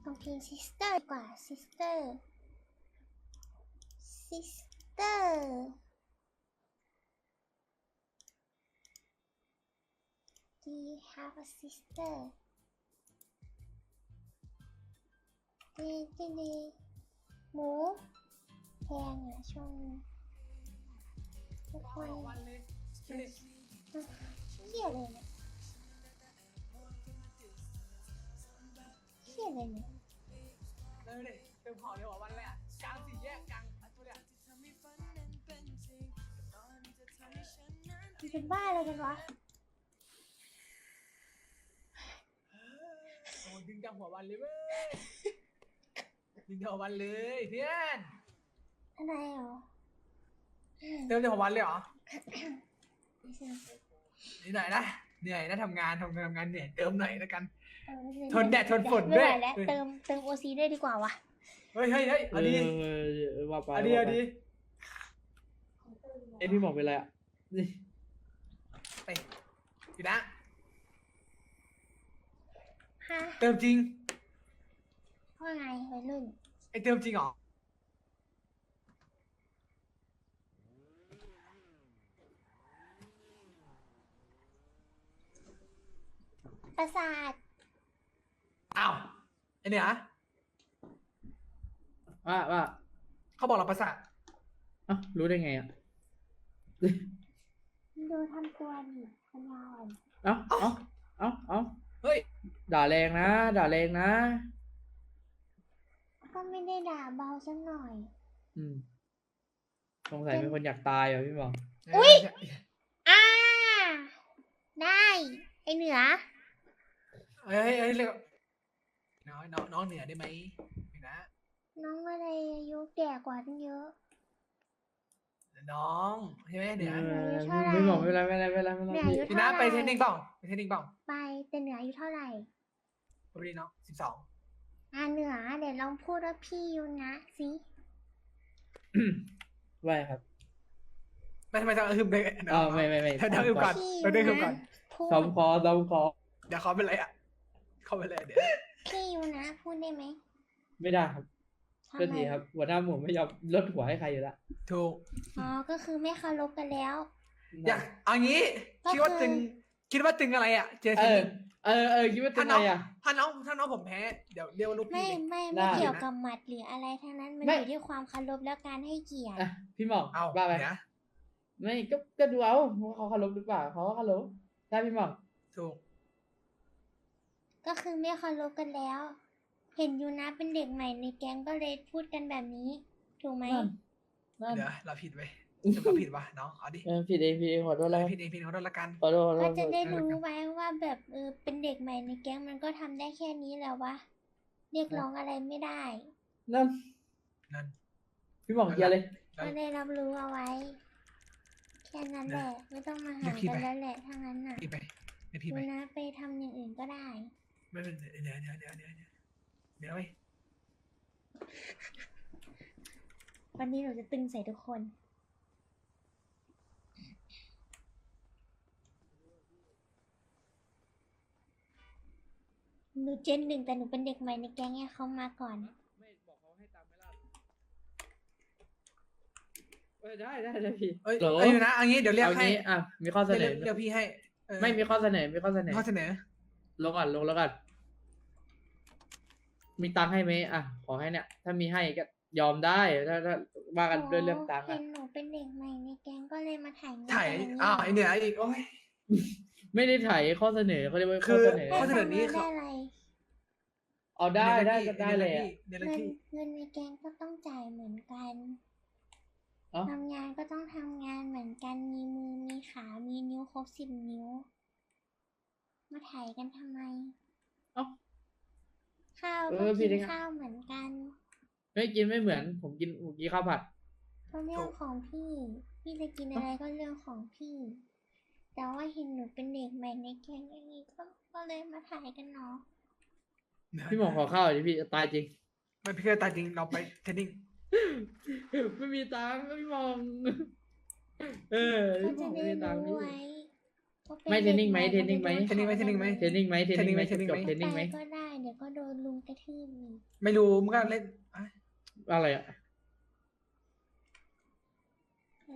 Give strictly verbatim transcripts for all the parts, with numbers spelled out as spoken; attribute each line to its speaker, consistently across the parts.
Speaker 1: ต้องเพลง sister ดีกว่า sister sister do you have a sister ดีดีดีหมูแพงอ่ะช่วงนี้ทุกคนเฮียเลยเนี่ยเฮียเลยเนี่ย
Speaker 2: เร็วดิเติมของเร็วกว่าวันเลยอ่ะกลางสี่แยกกลางตัวเนี่ย
Speaker 1: มันเป็นบ้าอะไรกันวะ
Speaker 2: โอ้ดึงจากหัววันเลยเว้ยดึงจากหัววันเลยเพื่อน
Speaker 1: อะไรเหรอ
Speaker 2: เติมจากหัววันเลยเหรอ
Speaker 1: ไม่ใช่
Speaker 2: นี่หน่อยนะเหนื่อยนะทำงานทำงานทำงานเหนื่อยเติมหน่อยแล้วกัน
Speaker 1: เออไม่ใช่
Speaker 2: ทนแดดทนฝน
Speaker 1: ไม่ไหว
Speaker 2: ด้วย
Speaker 1: แล้วเติมเติมโอซีด้วยดีกว่าวะ
Speaker 2: เฮ้ยเฮ้ยเฮ้ยเอาดี
Speaker 3: เออว่าไป
Speaker 2: เอาดีเอาดี
Speaker 3: เอ้ยพี่หมอกเป็นไรอ่ะนี่
Speaker 2: ไปอยู่นะ
Speaker 1: ฮะ
Speaker 2: เติมจริง
Speaker 1: ว่าไงวัยรุ่น
Speaker 2: ไอเติมจริงเหรอ
Speaker 1: ประสาท
Speaker 2: อ้าวไอเนี่ย
Speaker 3: ว่าว่า
Speaker 2: เขาบอกเราประสาท
Speaker 3: เอ้ารู้ได้ไงอ่ะ
Speaker 1: ดูทำตัวดิปัญญาอ่อน
Speaker 3: เอ้าเอ้าเอ้าเอ้า
Speaker 2: เฮ้ย
Speaker 3: ด่าแรงนะด่าแรงนะ
Speaker 1: ก็ไม่ได้ด่าเบาสักหน่อย
Speaker 3: อืมสงสัยเป็นคนอยากตายเหรอพี่หมอก
Speaker 1: อุ๊ย อ่า ได้ ไอเหนือ
Speaker 2: เฮ้ยเฮ้ยเรียกน้องน้องน้องเหนือได้ไหมอยู่นะ
Speaker 1: น้องอะไรอายุแก่กว่าตั้งเยอะ
Speaker 2: น้องใช่ไหมเหนือ
Speaker 3: เออ
Speaker 1: เท่าไหร่
Speaker 3: พี่หมอกไม่เป็นไรไม่เป็นไรไม่เป็นไรไม่เป็นไร
Speaker 1: เนี่ยอายุ
Speaker 2: อยู่นะไปเทรนนิ่งเปล่าไปเทรนนิ่งเปล่า
Speaker 1: ไปแต่เหนืออายุเท่าไหร่
Speaker 2: พอดีเนาะสิบสอง
Speaker 1: อ่าเหนือเดี๋ยวลองพูดว่าพี่ยูนะสิ
Speaker 3: ไม่ครับ
Speaker 2: ไม่ทำไมต้องฮึมเลย
Speaker 3: อ๋อไม่ไม่ไม่
Speaker 2: เธอต้องฮึมก่อน
Speaker 1: พี่
Speaker 2: เราได้ฮึมก่อน
Speaker 1: พูด
Speaker 3: ซ้อมคอซ้อมคอ
Speaker 2: เดี๋ยวเขาเป็นไรอ่ะเขาเป็นไรเดี๋ยว
Speaker 1: พี่ยูนะพูดได้ไหม
Speaker 3: ไม่ได้ครับ
Speaker 1: ทำ
Speaker 3: ก็
Speaker 1: ไม
Speaker 3: ดีครับหัวหน้าหมูไม่ยอมลดหัวให้ใครอยู่ละ
Speaker 2: ถูก
Speaker 1: อ๋อก็คือไม่เคารพกันแล้ว
Speaker 2: อยากเอางี้
Speaker 1: ก็
Speaker 2: คิดว่า
Speaker 1: คือ
Speaker 2: ตึงคิดว่าตึงอะไรอ่ะเจอ
Speaker 3: เอ
Speaker 2: เทรน
Speaker 3: อ
Speaker 2: นิ่ง
Speaker 3: เออเออคิดว่าเป็
Speaker 2: ถ้าน
Speaker 3: ไง
Speaker 2: น้อง
Speaker 3: อ่ะ
Speaker 2: ถ้าน้องถ้าน้องผมแพ้เดี๋ยวเรียกว่าลูก
Speaker 1: ไม่
Speaker 2: พี่เลย
Speaker 1: ไม่
Speaker 3: ได้
Speaker 1: ไม่เกี่ยว
Speaker 2: นะ
Speaker 1: กับหมัดหรืออะไรทั้งนั้นมัน
Speaker 3: ไม่
Speaker 1: อยู่ที่ความเคารพและการให้เกียรติ
Speaker 3: อ่ะพี่หมอก
Speaker 2: เอา
Speaker 3: ว่าไป
Speaker 2: เดี๋ยว
Speaker 3: ไม่ก็ก็ดูเอาว่าเขาเคารพหรือเปล่าเขาก็เคารพได้พี่หมอก
Speaker 2: ถูก
Speaker 1: ก็คือไม่เคารพกันแล้ว เห็นยูนะเป็นเด็กใหม่ในแก๊งก็เลยพูดกันแบบนี้ ถูกไหม
Speaker 3: นั่นนั่น
Speaker 2: เดี๋ยวเราผิดไปจะเราผิดวะน้องเอาดิ
Speaker 3: เออผิดเองผิดเองขอโทษแล้ว
Speaker 2: ผิดเองผิดเขาโดนละกัน
Speaker 3: ขอโทษขอโท
Speaker 1: ก็
Speaker 3: ษ
Speaker 1: จะได้รู้ไว้ว่าแบบเออเป็นเด็กใหม่ในแก๊งมันก็ทำได้แค่นี้แล้ววะเรียกร้องอะไรไม่ได้
Speaker 3: นั่น
Speaker 2: นั่น
Speaker 3: พี่หมอกเคลียร์เลย
Speaker 1: ก็ได้รับรู้เอาไว้ แค่นั้นแหละ ไม่ต้องมาหากันแล้วแหละถ้างั้นน่ะ
Speaker 2: ผิดไปไม่ผิด
Speaker 1: ยู
Speaker 2: ไป
Speaker 1: นะไปทำอย่างอื่นก็ได้
Speaker 2: ไม่เป็นเดี๋ยวเดี๋ยวเดี๋ยวเดี๋ยวเดี๋ยวเดี๋ยวไป
Speaker 1: วันนี้หนูจะตึงใส่ทุกคน หนูเจนหนึ่งแต่หนูเป็นเด็กใหม่ในแก๊งไงเขามาก่อนอะ
Speaker 3: ไม่บอกเขาให้ตามไม่ล่าเออได้ได้ได้พี่
Speaker 2: เอ้ย
Speaker 3: โหล
Speaker 2: เอ้ยอยู่นะเอางี้เดี๋ยวเรียก
Speaker 3: เอา
Speaker 2: ให้
Speaker 3: งี้อ่ะมีข้อเสน
Speaker 2: เดี๋ย
Speaker 3: อ
Speaker 2: วเดี๋ยวพี่ให้เออ
Speaker 3: ไม่มีข้อเสนอมีข้อเสนอ
Speaker 2: ข้อเสนอ
Speaker 3: ลงก่อนลงแล้วก่อนมีตังค์ให้ไหมอ่ะขอให้เนี่ย ถ้ามีให้ก็ยอมได้ถ้าถ้าว่ากันด้วยเรื่องตังค์
Speaker 1: เห็
Speaker 3: อ่ะ
Speaker 1: นหนูเป็นเด็กใหม่ในแก๊งก็เลยมาถ่ายเงิน
Speaker 2: ถ่าย
Speaker 1: กันอย่างนี้
Speaker 2: อ้าวไอเหนืออีกโอ้ย
Speaker 3: ไม่ได้ถ่ายข้อเสนอเขาเรียกว่า
Speaker 2: คื
Speaker 3: ข้อ
Speaker 2: อ
Speaker 3: เสนอ
Speaker 2: ข้อเสนอนี้
Speaker 1: ได้อะไร
Speaker 3: เอาได้ได้ก็ได้เลย
Speaker 2: เดี๋ยว
Speaker 1: เงิน
Speaker 2: พี่
Speaker 1: เงินในแก๊งก็ต้องจ่ายเหมือนกัน
Speaker 3: เอ้า
Speaker 1: ทำงานก็ต้องทำงานเหมือนกันมีมือมีขามีนิ้วครบสิบนิ้ว มาถ่ายกันทำไม
Speaker 3: เอ้า
Speaker 1: ข้าว
Speaker 3: เอ
Speaker 1: ก็
Speaker 3: อผิ
Speaker 1: กิ
Speaker 3: ด
Speaker 1: น
Speaker 3: เองอะ
Speaker 1: ข้าวเหมือนกัน
Speaker 3: ไม่กินไม่เหมือน ผมกินผมกินข้าวผัด
Speaker 1: ก็เรื่องของพี่ พี่จะกินอะไรก็เรื่องของพี่ แต่ว่าเห็นหนูเป็นเด็กใหม่ในแก๊งอย่างนี้ก็ก็เลยมาถ่ายกันเนาะ
Speaker 3: พี่หมอขอข้าวหน่อยดิพี่ตายจริง
Speaker 2: ไม่พี่เคยตายจริงเราไปเทรนนิ่ง
Speaker 3: ไม่มีตังค์พี่หมองเออ
Speaker 1: ก็
Speaker 3: พี่หม
Speaker 1: จะ
Speaker 3: องไม่
Speaker 1: ได้
Speaker 3: มีตังค์
Speaker 1: รู้
Speaker 3: พี่
Speaker 1: ไว้ วเขาเป็น
Speaker 3: ไม่เทรนนิ่งไหม
Speaker 1: ด็ก
Speaker 3: เทรนนิ่งไหม
Speaker 1: ขาจะโด
Speaker 2: เทรนนิ่งไหม
Speaker 3: เทรนนิ่งไหมเทรนนิ่งไหม
Speaker 2: เทรนนิ่งไหม
Speaker 3: จบๆเทรนนิ่งไหม
Speaker 1: ไปก็ได้เดี๋ยวก็โดนลุงกระทืบอีก
Speaker 2: ไม่รู้มึงก็เล่นอ่ะ
Speaker 3: อะไรอะ
Speaker 1: อะไร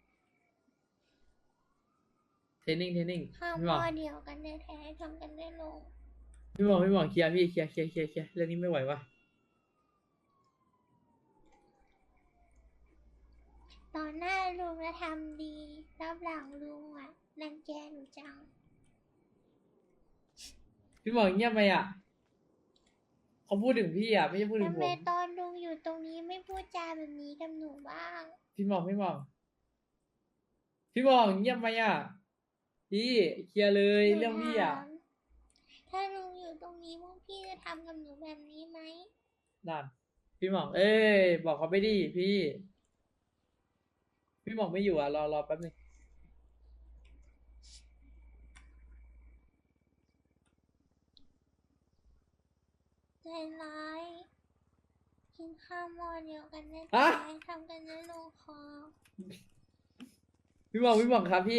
Speaker 3: เทรนนิ่งเทรนนิ่ง
Speaker 1: ข้าว
Speaker 3: พี่
Speaker 1: ห
Speaker 3: หม
Speaker 1: ม้
Speaker 3: อ
Speaker 1: อก เดียวกันแท้ๆทำกันได้ลง
Speaker 3: พี่หมอกพี่หมอกเคลียร์พี่เคลียร์เคลียร์เคลียร์เคลียร์เรื่องนี้ไม่ไหววะ
Speaker 1: ตอนหน้าลุงจะทำดีรับหลังลุงอ่ะรังแกหนูจัง
Speaker 3: พี่หมอกเงียบไปอ่ะเขาพูดถึงพี่อ่ะไม่ใช่พูดถึ
Speaker 1: ทำ
Speaker 3: งผ
Speaker 1: ไม
Speaker 3: ม
Speaker 1: ตอนลุงอยู่ตรงนี้ไม่พูดจาแบบนี้กับหนูบ้าง
Speaker 3: พี่หมอกพี่หมอกพี่หมอกเงียบไปอ่ะพี่เคลียร์เลย
Speaker 1: หนู
Speaker 3: เรื่องพี่อ่ะ
Speaker 1: ถามถ้าลุงอยู่ตรงนี้พวกพี่จะทำกับหนูแบบนี้ไหม
Speaker 3: นั่นพี่หมอกเอ้ยบอกเขาไปดิพี่ พี่หมอกไม่อยู่อ่ะรอรอแป๊บนึง
Speaker 1: ใจร้าย กินข้าวหม้อเดียวกันได้
Speaker 3: ฮะ
Speaker 1: แต่ทำกันได้ลงคอ
Speaker 3: พี่หมอกพี่หมอกครับพี่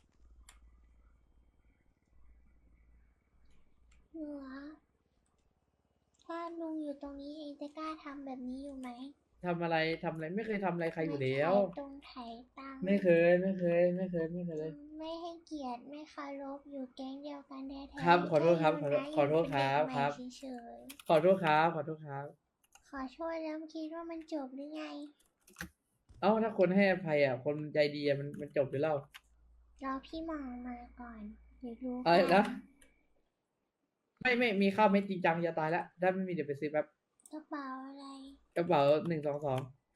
Speaker 1: หนูอะถ้าลุงอยู่ตรงนี้เองจะกล้าทำแบบนี้อยู่ไหม
Speaker 3: ทำอะไรทำอะไรไม่เคยทำอะไรใครอยู่แล้ว
Speaker 1: ไม่ใช่ตรงไถตังค์
Speaker 3: ไม่เคยไม่เคย ไม่เคยไม่เคย
Speaker 1: ไม่ให้เกียรติไม่เคารพอยู่แก๊งเดียวกันแท้ๆ
Speaker 3: ครับขอโทษครับ
Speaker 1: แ
Speaker 3: ขอโทษ
Speaker 1: ยู่นะ
Speaker 3: ขอโทษครับ
Speaker 1: อยู่เป็นเด็กใหม่
Speaker 3: ครับ
Speaker 1: เฉย
Speaker 3: ขอโทษครับขอโทษครับ
Speaker 1: ๆขอโทษแล้วคิดว่ามันจบหรือไง
Speaker 3: เอ้าถ้าคนให้อภัยอ่ะ คนใจดีอ่ะมันมันจบไปแล้ว
Speaker 1: รอพี่หมองมาก่อนเดี๋ยวรู้
Speaker 3: อะไร
Speaker 1: กั
Speaker 3: นะไม่ไม่มีข้าวไม่จริงจังจะตายแล้วถ้าไม่มีเดี๋ยวไปซื้อแป๊บ
Speaker 1: กระเป๋าอะไร
Speaker 3: กระเป๋าหนึ่งสองสอง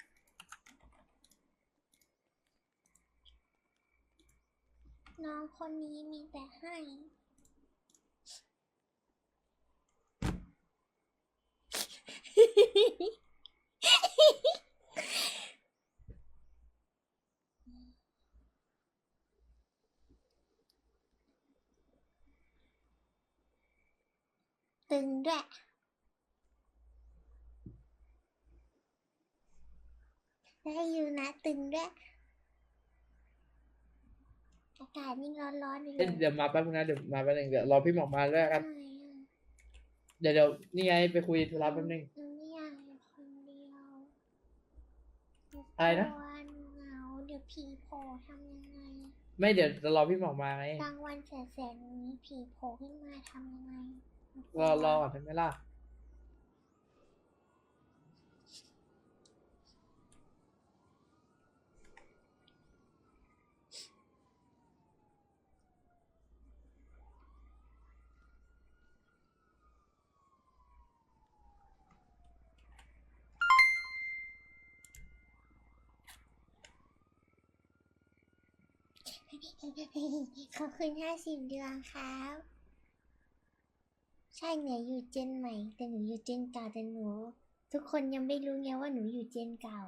Speaker 1: น้องคนนี้มีแต่ให้ ตึงด้วย ได้อยู่นะตึงด้วย อากาศยิ่งร้อนๆอยู่เล
Speaker 3: เอ้ย
Speaker 1: ย
Speaker 3: เดี๋ยวมาแป๊บนึงนะเดี๋ยวมาแป๊บนึงเดี๋ยวรอพี่หมอกมาด้วยกัน
Speaker 1: ไม่อะ
Speaker 3: เดี๋ยวเดี๋ยวนี่ไงไปคุยธุระแป๊บนึง
Speaker 1: หนูไม่อยากอยู่คนเดียวหนู
Speaker 3: อะไรนะ
Speaker 1: กลัวหนูเหงาเดี๋ยวผีโผล่ทำยังไง
Speaker 3: ไม่เดี๋ยวจะรอพี่หมอกมาไง
Speaker 1: กลางวันแสกๆนี้ผีโผล่ขึ้นมาทำยังไงหนูก
Speaker 3: ร
Speaker 1: ลัว
Speaker 3: อรอก่อนได้ไหมล่ะ
Speaker 1: ขอบคุณห้าสิบเดือนครับ ใช่เหนืออยู่เจนใหม่ แต่หนูอยู่เจนเก่าแต่หนู ทุกคนยังไม่รู้ไงว่าหนูอยู่เจนเก่า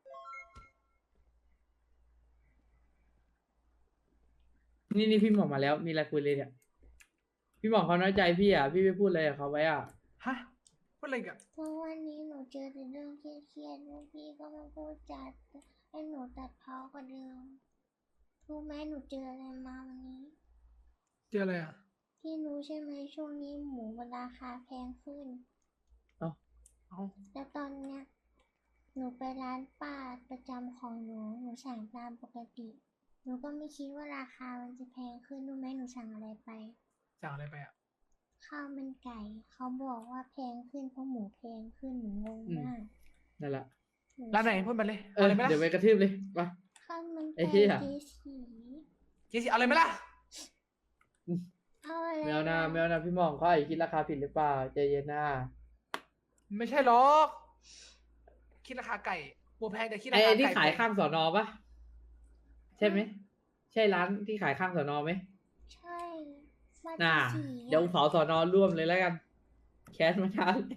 Speaker 3: นี่นี่พี่หมอกมาแล้วมีอะไรคุยเลยเนี่ยพี่หมอกเขาน้อยใจพี่อ่ะพี่ไปพูดอะไรกับเขาไว้อ่ะ
Speaker 2: ฮะพูดอะไรกัน
Speaker 1: เพราะวันนี้หนูเจอแต่เรื่องเครียดๆแล้วพี่ก็มาพูดจัดให้หนูตัดเพ้อกว่าเดิมรู้ไหมหนูเจออะไรมาวันนี้
Speaker 2: เจออะไรอ่ะ
Speaker 1: พี่รู้ใช่ไหมช่วงนี้หมูมันราคาแพงขึ้น
Speaker 2: เอ้า
Speaker 1: แล้วตอนเนี้ยหนูไปร้านป้าประจำของหนู หนูสั่งตามปกติ หนูก็ไม่คิดว่าราคามันจะแพงขึ้นรู้ไหมหนูสั่งอะไรไป
Speaker 2: สั่งอะไรไปอ่ะ
Speaker 1: ข้าวมันไก่ เขาบอกว่าแพงขึ้นเพราะหมูแพงขึ้นหนูงง
Speaker 3: อืม
Speaker 1: มาก
Speaker 3: นั่นแหละ
Speaker 1: นู
Speaker 2: ร้านไหนพูดมาเลย
Speaker 3: เอ
Speaker 2: เอา
Speaker 3: อ
Speaker 2: เลยไหมล่ะ
Speaker 3: เดี๋ยวไปกระทืบเลยไป
Speaker 1: ข้าวมัน
Speaker 3: ไอ้
Speaker 1: ไก่
Speaker 3: เหี้ย
Speaker 1: เจสี
Speaker 2: เจสิเอาเลยไหมล่ะ
Speaker 1: เอาอะไร
Speaker 3: แมวนาแมวนาพี่หมอกเขาอาจจะคิดราคาผิดหรือเปล่าใจเย็นนะ
Speaker 2: ไม่ใช่หรอก คิดราคาไก่หมูแพงแต่คิดรา
Speaker 3: ไอ้
Speaker 2: คา
Speaker 3: ไอ้ที่
Speaker 2: ไก่
Speaker 3: ขาย
Speaker 2: แพ
Speaker 3: ข้างสอนอปะใช่ไหมใช่ร้านที่ขายข้างสอนอไหม
Speaker 1: ใช่บ้าน
Speaker 3: น่า
Speaker 1: เจสี
Speaker 3: เดี๋ยวเผาสอนอร่วมเลยแล้วกัน แคสมาช้าเลย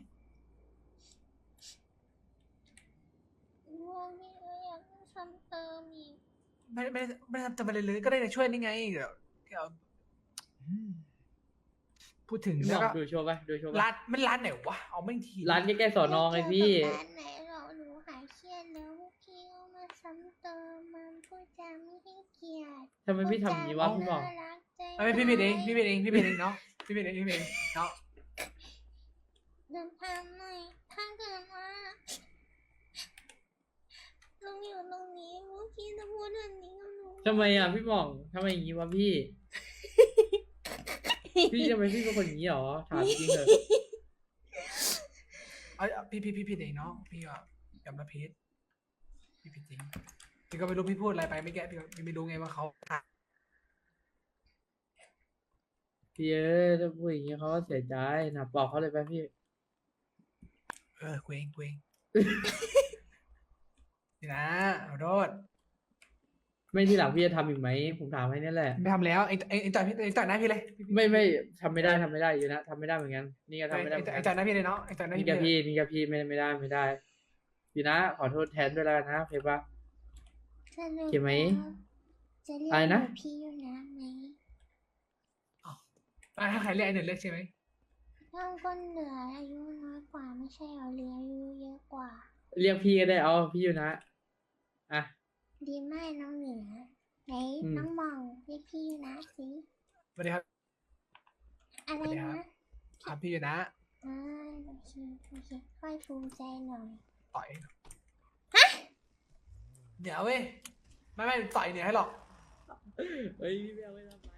Speaker 1: ร่วงนี่ก็อยากซ้ำเติมอีก
Speaker 2: ไม่ไม่ไม่ทำจะไปเลยเลยก็ได้ในช่วยนี่ไงเดี๋ยวเดี๋ยวอืมพูดถึง
Speaker 3: พี่หม
Speaker 2: แล้
Speaker 3: อ
Speaker 2: ว
Speaker 3: ก
Speaker 2: ก็
Speaker 3: ดูโชว์ปะดูโชว์
Speaker 2: ร้า
Speaker 3: ปะ
Speaker 2: นมันร้านไหนวะเอาไม่งที
Speaker 3: ร้านใกล้ๆสอนอไงพี่
Speaker 1: ม่เกี่ยวกับร้านไหนหรอกหนูหายเครียดแล้วพวกพี่ก็มาซ้ำเติมมันพูดจาไม่ให้เกียรติ
Speaker 3: ทำไมพี่ทำอย่างนี้วะพี่หมอก
Speaker 1: น่ารักใจ
Speaker 2: เอาไม่พี่ผิดเองพี่ผิดเองพี่ผิดเองเนาะพี่ผิดเองพี่ผิดเองเนาะ
Speaker 1: เดินทางหน่อยถ้าเกิดว่าลุงอยู่ตรงนี้เมื่อกี้จะพูดแบบนี้กับหนู
Speaker 3: ทำไมอ่ะพี่หม่องทำไมอย่างงี้วะพี่ พี่ทำไมพี่เป็นคนอย่างนี้หรอถามจริงเถอะ
Speaker 2: เอาเอาพี่พี่พี่ผิดเองเนาะพี่ก็ยอมรับผิดพี่ผิดจริงพี่ก็ไม่รู้พี่พูดอะไรไปไม่แก้พี่ก็พี่ไม่รู้ไงว่าเขา
Speaker 3: พี่เอ้ยถ้าพูดอย่างนี้เขาก็เสียใจนะบอกเขาเลยไปพี่
Speaker 2: เออเกวงเกวง นี่นะขอโทษ
Speaker 3: ไม่ที่หลังพี่จะทำอีกไหมผมถามให้นี่แหละ
Speaker 2: ไม่ทำแล้วไอ้ไอ้ไอ้ต่อยพี่ไอ้ต่อยหน้าพี่เลย
Speaker 3: ไม่ไม่ทำไม่ได้ทำไม่ได้อยู่นะทำไม่ได้เหมือนกันนี่ก็ทำไม่ได้
Speaker 2: ไอ้
Speaker 3: เหมือน
Speaker 2: ไอ้
Speaker 3: กัน
Speaker 2: ต่อยหน้าพี่เลยเนาะไอ้ต่อยหน้า
Speaker 3: นี่
Speaker 2: พี่
Speaker 3: กับ
Speaker 2: เลย
Speaker 3: พี่นี่กับพี่ไม่ไม่ได้ไม่ได้อยู่นะขอโทษแทนด้วยแล้วกันนะโอเคปะ
Speaker 1: สรุป
Speaker 3: เขียนไหม
Speaker 1: จะเรียก
Speaker 3: อะไรนะ
Speaker 1: หพี่อยู่นะไหม
Speaker 2: อ่ะถ้าใครเรียกไอ้หนึ่งเรียกใช่ไหม
Speaker 1: เราก็เหลืออายุน้อยกว่าไม่ใช่เหรอเหลืออายุเยอะกว่า
Speaker 3: เรียกพี่ก็ได้เอาพี่อยู่นะอ่ะ
Speaker 1: ดีมากน้องเหนือไหน
Speaker 3: อืม
Speaker 1: น้องมองเรียกพี่อยู่นะสิ
Speaker 2: สวัสดีครับ
Speaker 1: อะไร
Speaker 2: สวัสดีครั
Speaker 1: นะ
Speaker 2: บ ครับพี่อยู่นะ
Speaker 1: อ่าโอเคโอเคค่อยภูมิใจหน่อย
Speaker 2: ต่อยเดี๋ยวเว้ยไม่ไม่ต่อยเนี่ยให้หรอก
Speaker 3: เฮ้ยพี่ไม่เอาไม่ทำไร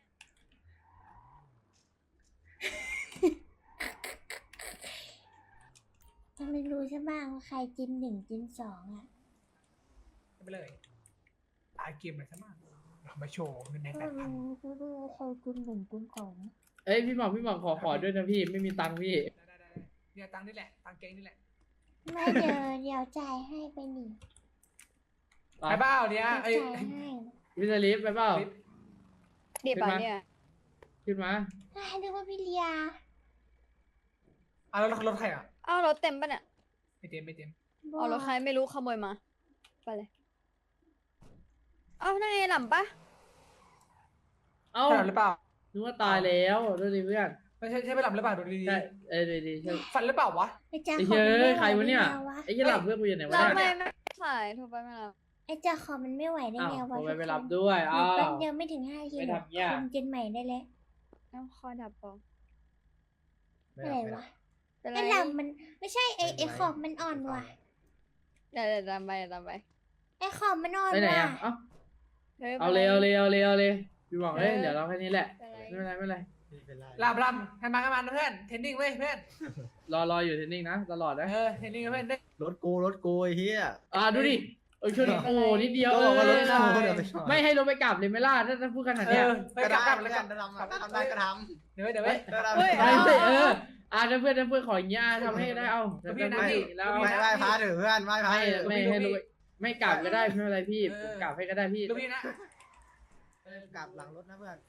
Speaker 1: ถ้าไม่รู้ใช่บ้างว่าใครจินหนึ่งจินสองอ่ะ
Speaker 2: ไปเลยตายเกมเลยใช่ไหมเรามาโชว์เงินใน
Speaker 1: ก็
Speaker 2: แปดพัน
Speaker 1: รู้ก็รู้ว่าใครจินหนึ่งจินสอง
Speaker 3: เอ้ยพี่หม่องพี่หม่องขอขอด้วยนะพี่ไม่มีตังค์พี่
Speaker 2: ได้ได้ได้เนี่ยตังค์นี่แหละตังค์เกงนี่แหละ
Speaker 1: ไม่เดี๋ยวเดี๋ยวจ่ายให้ไปหนิ
Speaker 2: ไปเปล่าเนี่ย
Speaker 1: เดี๋ยว
Speaker 2: ไอ้
Speaker 1: จ่ายให้
Speaker 3: วิสลิฟไปเปล่า
Speaker 4: เดี๋ยว
Speaker 3: ขึ้น
Speaker 4: ป่ะ
Speaker 3: มา
Speaker 4: เนี่ย
Speaker 3: ขึ้นมา
Speaker 1: อ่านึกว่าพี่เลีย
Speaker 2: อ่ะแล้วรถใครอ่ะ
Speaker 4: อ้าวรถเต็มป่ะเนี่ย
Speaker 2: ไม่เต็มไม่เต็ม
Speaker 4: เอารถใครไม่รู้ขโมยมา ไปเลย เอานั่นไงหล่ำปะ
Speaker 3: เอ้า
Speaker 2: ใช่หลับหรือเปล่า
Speaker 3: นึกว่าตายแล้วดูดิเพื่อน
Speaker 2: ไม่ใช่ใช่ไม่หลับหรือเปล่าดูดี
Speaker 3: ใช่เอ้ยดีดีใช่
Speaker 2: ๆฝันหรือเปล่าวะ
Speaker 1: ไอ้เจ้า
Speaker 3: ไอ้
Speaker 1: ขอ
Speaker 3: เฮ้
Speaker 1: งมัน
Speaker 3: ย
Speaker 1: ไม่
Speaker 3: ใครวะเนี่ย
Speaker 1: ไหได้ไงวะ
Speaker 3: ไอ้ยี่หลับเพื่อนกูอยู่ไหนวะ
Speaker 4: เรา
Speaker 3: เนี่ย
Speaker 4: ไม่ไม่สายโทรไปไม่รับ
Speaker 1: ไอ้เจ้าของมันไม่ไหวได้
Speaker 3: อ้าว
Speaker 1: ไง
Speaker 3: ผ
Speaker 1: วะ
Speaker 3: มไป
Speaker 1: ทุก
Speaker 3: ไป
Speaker 1: ค
Speaker 3: รับ
Speaker 1: น
Speaker 3: ด้วย
Speaker 1: ห
Speaker 3: อ้า
Speaker 1: แป๊บ
Speaker 3: ว
Speaker 1: เดียวไม่ถึงห้านาที
Speaker 3: ไม่
Speaker 1: หรอก
Speaker 3: ทำเงี้ย
Speaker 1: คุมจินใหม่ได้แล้ว
Speaker 4: น้ำคอดับปอ
Speaker 1: อะไรวะ
Speaker 4: เป็นไร
Speaker 1: ไอ้ลำมันไม่ใช่ไอ้ไอ้ขอบมันอ่อนว่ะ
Speaker 4: เดี๋ยวเดี๋ยวตามไปเดี๋ยวตามไป
Speaker 1: ไอ้ขอบมันอ่อน
Speaker 3: ไปไหน
Speaker 1: ว่ะ
Speaker 3: อ่ะเอ้า
Speaker 4: ฮ้ย
Speaker 3: เอาเลยเอาเลยเอาเลยเอาเลยพี่บอกเอ้ย
Speaker 4: เออ
Speaker 3: เดี๋ยวเราแค่นี้แหละ
Speaker 4: เป็นไร
Speaker 3: ไม่เป็นไรไม่เป็นไร
Speaker 2: หลับหลับให้มาให้มาเพื่อนเทรนนิ่งเว้ยเพื่อน
Speaker 3: รอรออยู่เทรนนิ่งนะตลอดนะ
Speaker 2: เออเทรนนิ่งเพื่อนได้
Speaker 5: รถกูรถกูไอ้เหี้ย
Speaker 3: อ่าดูดิเออช่วงนี้โอ้นิดเดียว
Speaker 5: ก็
Speaker 3: เอ
Speaker 5: บอกว่ารถ
Speaker 3: อ
Speaker 5: กูเดี๋ยวไปชน
Speaker 3: ไม่ให้รถไปกลับเลยไหม่ล่ะถ้าถ้าพูดขนาด
Speaker 2: เอ
Speaker 3: เนี้ย
Speaker 2: อไปกลับกลับ
Speaker 5: ก็
Speaker 2: แล้ว
Speaker 5: ได้
Speaker 2: กลับ
Speaker 5: ก็ทำทำได้ก็ท
Speaker 2: เดี๋ยวเดี๋ยวเว้ย
Speaker 5: ำก็ได้
Speaker 4: เฮ้ย
Speaker 3: ไม่ใช่เอออ่าถ้าเพื่อนถ้าเพื่อนขออย่างเงี้ยอ่ะทำให้ได้เอา
Speaker 2: แล้วพี่นะ
Speaker 3: ไม่
Speaker 2: พี่
Speaker 3: แล้ว
Speaker 5: ไม่ไม่พาถือเพื่อนไม่พา
Speaker 3: ไม่
Speaker 5: ถือ
Speaker 3: ไม่ให้รถไปไม่กลับก็ได้ไม่เป็นไรพี่ผมกลับให้ก็ได้พี่
Speaker 2: ลูกพี่นะ
Speaker 5: กลับหลังรถนะเพื่อน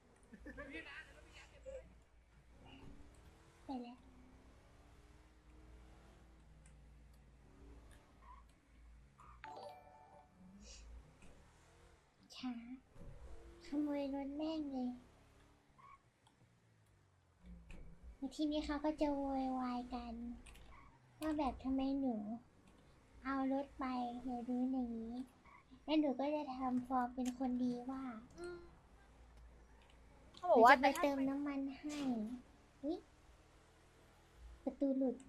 Speaker 1: ไปแล้วช้าขโมยรถแม่งเลยแล้วทีนี้เขาก็จะโวยวายกัน ว่าแบบทำไมหนู เอารถไปเดี๋ยวรู้อย่างนี้ แล้วหนูก็จะทำฟอร์มเป็นคนดีว่า
Speaker 4: เขา
Speaker 1: ห
Speaker 4: บอก
Speaker 1: นู
Speaker 4: ว่า
Speaker 1: จะไปเติมน้ำมันให้อุ๊ยประตูหลุด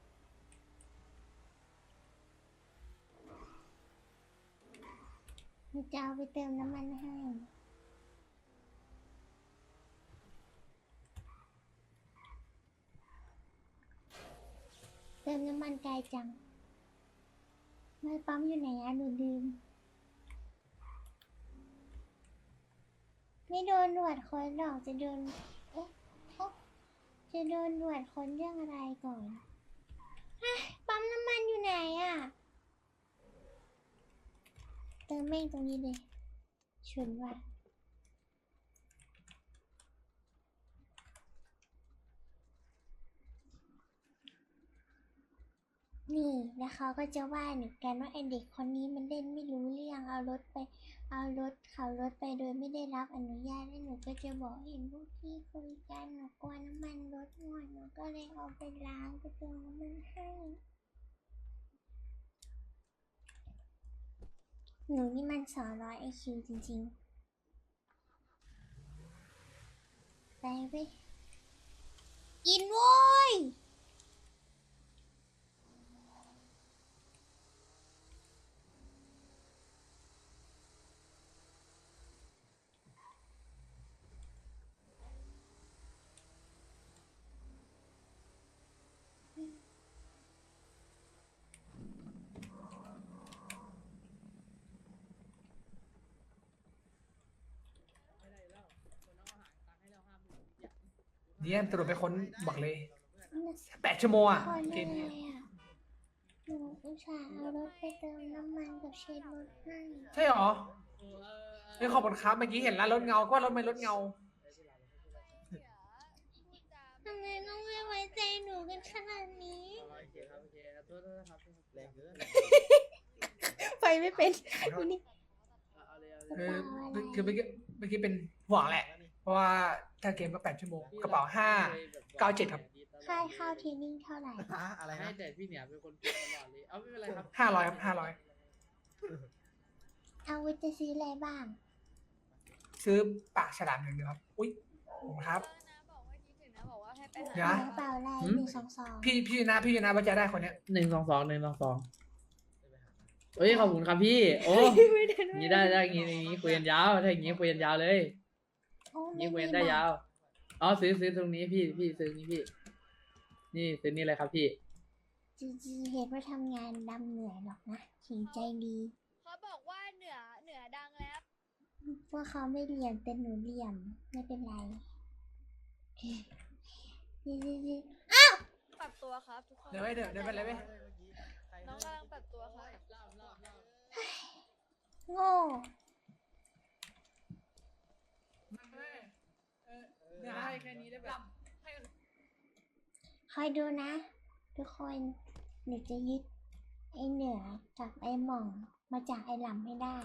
Speaker 1: หนูจะเอาไปเติมน้ำมันให้ เติมน้ำมันไกลจังไม่ปั๊มอยู่ไหนอะหนูลืม ไม่โดนหนวดคนหรอกจะโดน เอ๊ะเอ๊ะจะโดนหนวดคนเรื่องอะไรก่อนฮะปั๊มน้ำมันอยู่ไหนอะเติมแม่งตรงนี้เลยชนว่ะ นี่แล้วเขาก็จะว่าหนูกันว่าไอเด็กคนนี้มันเล่นไม่รู้เรื่องเอารถไป เอารถขับรถไปโดยไม่ได้รับอนุญาตแล้วหนูก็จะบอกเห็นพวกพี่คุยกันหนูกลัวน้ำมันรถหมดหนูก็เลยเอาไปล้างไปเติมน้ำมันให้หนูนี่มันสองร้อยไอคิวจริงๆไปกินโว้ย
Speaker 2: เยี่ยมสรุปไปค้นบอกเลย
Speaker 1: น่ะ
Speaker 2: แปดชั่วโมงอ่ะ
Speaker 1: คน
Speaker 2: เก
Speaker 1: ยั
Speaker 2: ม
Speaker 1: งไง
Speaker 2: นี้
Speaker 1: อ่ะหนูอุตส่าห์เอารถไปเติมน้ำมันกับเช็ดรถให้
Speaker 2: ใช่หรอเฮ้ยขอบคุณครับเมื่อกี้เห็นแล้วรถเงาก็ว่ารถไม่รถเงา
Speaker 1: ทำไมต้องไม่ไว้ใจหนูกันขนาดนี้
Speaker 3: โอเคครับโอเคโทษโทษครับ
Speaker 5: แรงเกิน
Speaker 1: ไปไม่เป็น
Speaker 2: ขอโทษ
Speaker 1: นี่
Speaker 3: เอาเลยเอาเลย
Speaker 2: คือคือเมื่อกี้เมื่อกี้เป็นห่วงแหละ เพราะว่าถ้าเกมก็แปดชั่วโมงกระเป๋าห้า เก้าเจ็ดครับ
Speaker 1: ค่าเข้าเทรนนิ่งเท่าไหร่
Speaker 5: ฮะอะไร
Speaker 3: ให้
Speaker 5: นะ
Speaker 3: แต่พี่เนี่ยเป็นคนพูดตลอดเลยเอาไม่เป็นไรครับ
Speaker 2: ห้าร้อยครับห้าร้อย
Speaker 1: เอาไว้จะซื้ออะไรบ้าง
Speaker 2: ซื้อปากฉลามหนึ่งเดียวครับ อุ้ยขอบคุณครับ
Speaker 4: นะบอกว่าคิดถึงนะบอกว่าให้ไป
Speaker 2: เดี๋ยว
Speaker 4: หา
Speaker 2: นะ
Speaker 1: กระเป๋าอะไร
Speaker 3: หืม
Speaker 1: หนึ่งสองสอง
Speaker 2: พี่พี่นะพี่นะว่าจะได้คนเนี้ย
Speaker 3: หนึ่งสองสองหนึ่งสองสองเฮ้ยขอบคุณครับพี่ โอ้
Speaker 4: ไม่ได้
Speaker 3: อย่างนี้ได้ได้อย่างนี้อย่างนี้คุยกันยาวถ้าอย่างนี้คุยกันยาวเลย
Speaker 1: โอ้
Speaker 3: อย่างนี้คุย
Speaker 1: ไม่
Speaker 3: กัน
Speaker 1: มี
Speaker 3: ได้
Speaker 1: บัตร
Speaker 3: ยาวอ๋อซื้อซื้อตรงนี้พี่พี่ซื้อนี้พี่ นี่ซื้อนี่เลยครับพี่
Speaker 1: จีจีเห็นว่าทำงานดำเหนื่อยหรอกนะขิงใจดี
Speaker 4: เขาบอกว่าเหนือเหนือดังแล้ว
Speaker 1: ว่าเขาไม่เรียนแต่หนูเรียนไม่เป็นไรจีจีจี
Speaker 4: ปรับตัวครับทุกคน
Speaker 2: เดี๋ยวไปเดี๋ยวเดี๋ยวไปเลยไป
Speaker 4: น้องกำลังปรับตัวครับ
Speaker 1: โง่
Speaker 3: ได้แค่นี้ได้แบบ
Speaker 1: คอยดูนะ ทุกคนหนูจะยึดไอ้เหนือกับไอ้หม่องมาจากไอ้หลำให้ได้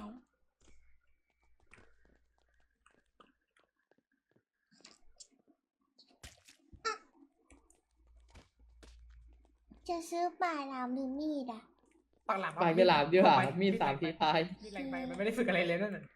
Speaker 1: จะซื้อป่าหลามหรือมีดอ่ะ
Speaker 2: ปากหลาม
Speaker 3: ปลายกระหลาบดีกว่ามีดสามทีตาย
Speaker 2: มีแรงไปมันไม่ได้ฝึกอะไรเลยนั่นน่ะ